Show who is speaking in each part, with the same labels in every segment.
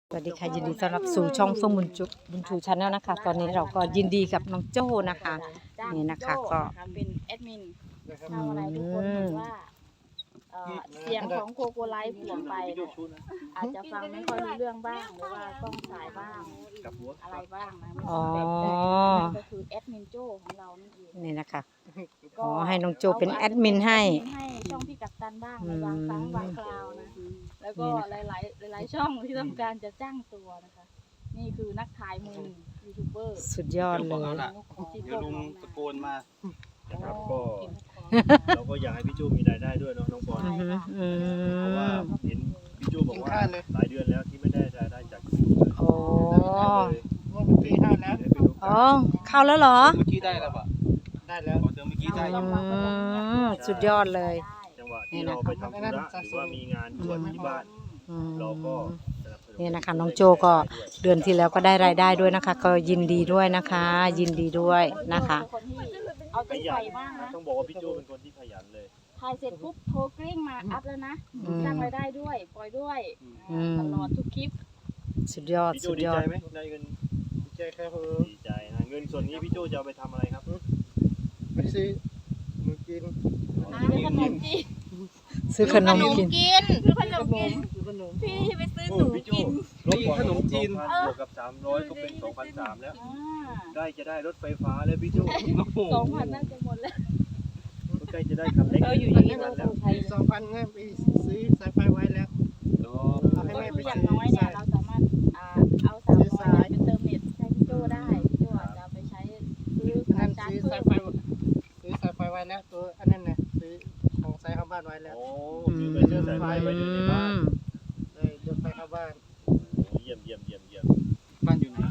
Speaker 1: สวัสดีค่ะยินดีต้อนรับสู่ช่องเฟื่องบุญชูชาแนลนะคะตอนนี้เราก็ยินดีกับน้องโจ้นะคะนี่นะคะก็
Speaker 2: เป็นแอดมินทำอะไรทุกคนเหมือนว่าเสียงของโคโกไลฟ์เปลี่ยนไปอาจจะฟังไม่ค่อยรู้เรื่องบ้างหรือว่ากล้องสายบ้างอะไรบ้างนะก็คือแอดมินโจ้ของเรานั่นเอง
Speaker 1: นี่นะคะขอให้น้องโจ้เป็นแอดมินให้
Speaker 2: ช่องพี่กัปตันบ้างในบางครั้งบางคราวนะแล้วก็หลายช่องที่ต้องการจะจ้างตัวนะคะนี่คือนักถ่ายมือยูทูบเบอร์
Speaker 1: สุดยอดเลย
Speaker 3: เดี๋ยวลุงตะโกนมานะครับก็เราก็อยากให้พี่จูมีรายได้ด้วยเนาะน้องบอลเพราะว่าเห็นพี่จูบอกว่าหลายเดือนแล้วที่ไม่ได้รายได้จากยูทูบเลย
Speaker 1: โอ้
Speaker 3: เมื่อกี้เข้าแล้ว
Speaker 1: เข้าแล้วเหรอ
Speaker 3: เมื่อกี้ได้แล้วปะได้แล้วเมื่อกี้ได้
Speaker 1: สุดยอดเลย
Speaker 3: จังหวะที่เราไปทำธุระหรือว่ามีงานด่วนที่บ้านเราก็
Speaker 1: นี่นะคะน้องโจก็เดือนที่แล้วก็ได้รายได้ด้วยนะคะก็ยินดีด้วยนะคะยินดีด้วยนะคะ
Speaker 2: เอาใจใส่มากนะ
Speaker 3: ต้องบอกว่าพี่โจเป็นคนที่ขยันเลย
Speaker 2: ถ่ายเสร็จปุ๊บโทรกริ้งมาอัพแล้วนะสร้างรายได้ด้วยปล่อยด้วยตลอดทุกคลิป
Speaker 1: สุดยอดสุดยอด
Speaker 3: ดีใจไหมได้เงินดีใจครับดีใจนะเงินส่วนนี้พี่โจจะเอาไปทำอะไรครับ
Speaker 4: ไปซื้อขนมกิน
Speaker 2: ขนมจีน
Speaker 1: ซื้อขนมกิน
Speaker 2: ซื้อขนมกินพี่ไปซื้อหนูกิน
Speaker 3: รถขนมจีนบวกกับ300ก็เป็น 2,300 แล้วใกล้จะได้รถไฟฟ้าแล้วพี่โจ
Speaker 2: 2,000น่าจะหมดแล้ว
Speaker 3: ใกล้จะได้คันเล็ก
Speaker 2: อยู่อย่างนี้เรา
Speaker 4: 2,000เงินไปซื้อสายไฟไว้แล้ว
Speaker 2: ให้แม่ไปอย่างน้อยเนี่ยเราสามารถเอา300เป็นเติมเน็ตให้พี่โจได้พี่โจอาจจะไปใช้ซื้อสายไฟ
Speaker 4: ไว้แล้วตัวอันนั้นนะซื้อของสายเข้าบ้านไว้แล้ว
Speaker 3: โอ้ซื้อไปเชื่อสายไฟไว้ในบ้าน
Speaker 4: เลยยกไปเข้าบ้าน
Speaker 3: เยี่ยมบ้านอยู่ไหน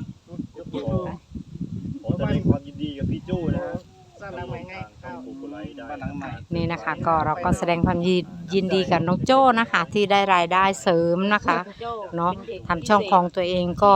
Speaker 3: ขอแสดงความยินดีกับพี่โจ้นะครับ
Speaker 4: สร้างหลังใหม่ไง
Speaker 3: บ้านหลังใหม่
Speaker 1: นี่นะคะก็เราก็แสดงความยินดีกับน้องโจ้นะคะที่ได้รายได้เสริมนะคะเนาะทำช่องของตัวเองก็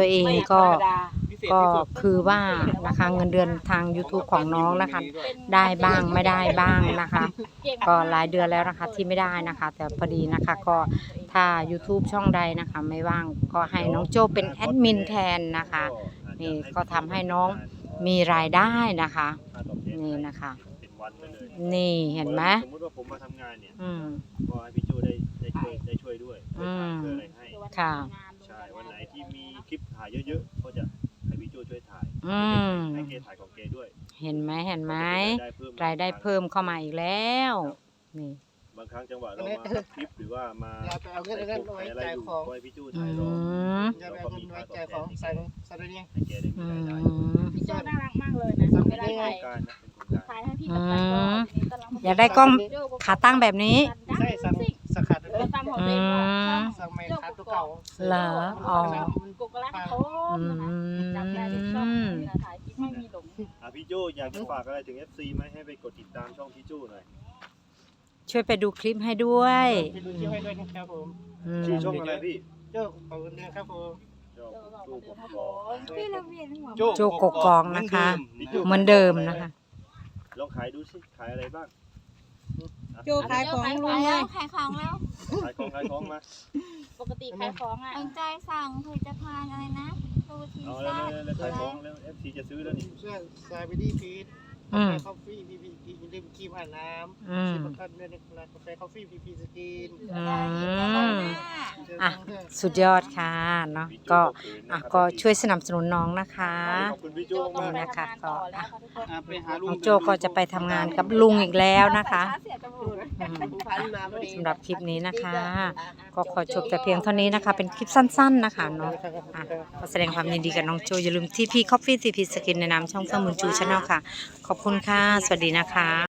Speaker 1: คือว่านะคะเงินเดือนทาง YouTube ของน้องนะคะได้บ้างไม่ได้บ้างนะคะก็หลายเดือนแล้วนะคะที่ไม่ได้นะคะแต่พอดีนะคะก็ถ้า YouTube ช่องใดนะคะไม่ว่างก็ให้น้องโจ้เป็นแอดมินแทนนะคะนี่ก็ทำให้น้องมีรายได้นะคะนี่นะคะนี่เห็นไหม
Speaker 3: สมมติว่าผมมาทำงานเนี่ยก็ให้พี่โจ้ได้ช่วยด้วยช่วยอะไรให้
Speaker 1: ค่ะ
Speaker 3: ใช่วันไหนที่มีคลิปถ่ายเยอะๆก็จะให้พี่โจ้ช่วยถ่ายให้เกถ่ายของเกด้วย
Speaker 1: เห็นไหมรายได้เพิ่มเข้ามาอีกแล้วนี่
Speaker 3: บางครั้งจังหวะเรามาคลิปหรือว่ามา
Speaker 4: เอาเงินอะไรอยู่ก็
Speaker 3: ให้พี่โจ้ถ่ายรอ
Speaker 4: แล้วก็มีค่าตอบแทนใส่เนี่ย
Speaker 3: ให้เกได้มีรายได้
Speaker 2: พี่โจ้น่ารักมากเลยนะไม่ได้ถ่ายให้พี่กับ
Speaker 1: อยากได้กล้องขาตั้งแบบนี้
Speaker 4: ใช่สกัด
Speaker 2: สั่งของเด็ก
Speaker 4: สั่งไม่ขาตัวเก่า
Speaker 1: เหรออ๋อ
Speaker 2: กุกลักโทมนะจำได้ช่องถ่ายคลิปไม่มีหลง
Speaker 3: พี่โจ้อยากจะฝากอะไรถึง FC ไหมให้ไปกดติดตามช่องพี่โจ้หน่อย
Speaker 1: ช่วยไปดูคลิปให้ด้วย
Speaker 4: ไปดูคลิปให้ด้วยนะครับผม
Speaker 3: ชื่อช่องอะไรพี่
Speaker 4: โจ้ขอบคุณนะครับผม
Speaker 1: โจ้กกองนะคะเหมือนเดิมนะคะ
Speaker 3: ลองขายดูสิขายอะไรบ้าง
Speaker 5: โจ้ขายของลุงเลย
Speaker 2: ขายของแล้ว
Speaker 3: ขายของมา
Speaker 2: ปกติขายของอ่ะ
Speaker 5: ตั้งใจสั่งผลิตภัณฑ์อะไรนะตูที
Speaker 3: ซ่าแล้วขายของแล้ว FC จะซื้อแล้วนี่
Speaker 4: เสื้อสายบิดี้ฟีดกาแฟคอฟฟี่พีพีดื่มครีมอาบน้ำชิมกันด้วยนะกาแฟคอฟฟี่พีพีสกิน
Speaker 1: สุดยอดค่ะเนาะก็ช่วยสนับสนุนน้องนะคะ
Speaker 3: ขอบคุณพี่โจ้มาก
Speaker 1: นะคะก็น้องโจ้ก็จะไปทำงานกับลุงอีกแล้วนะคะสำหรับคลิปนี้นะคะก็ขอจบแต่เพียงเท่านี้นะคะเป็นคลิปสั้นๆนะคะเนาะก็แสดงความยินดีกับน้องโจอย่าลืมTP Coffee TP Skinในนามช่องเฟื่องบุญชูชาแนลค่ะขอบคุณค่ะสวัสดีนะคะ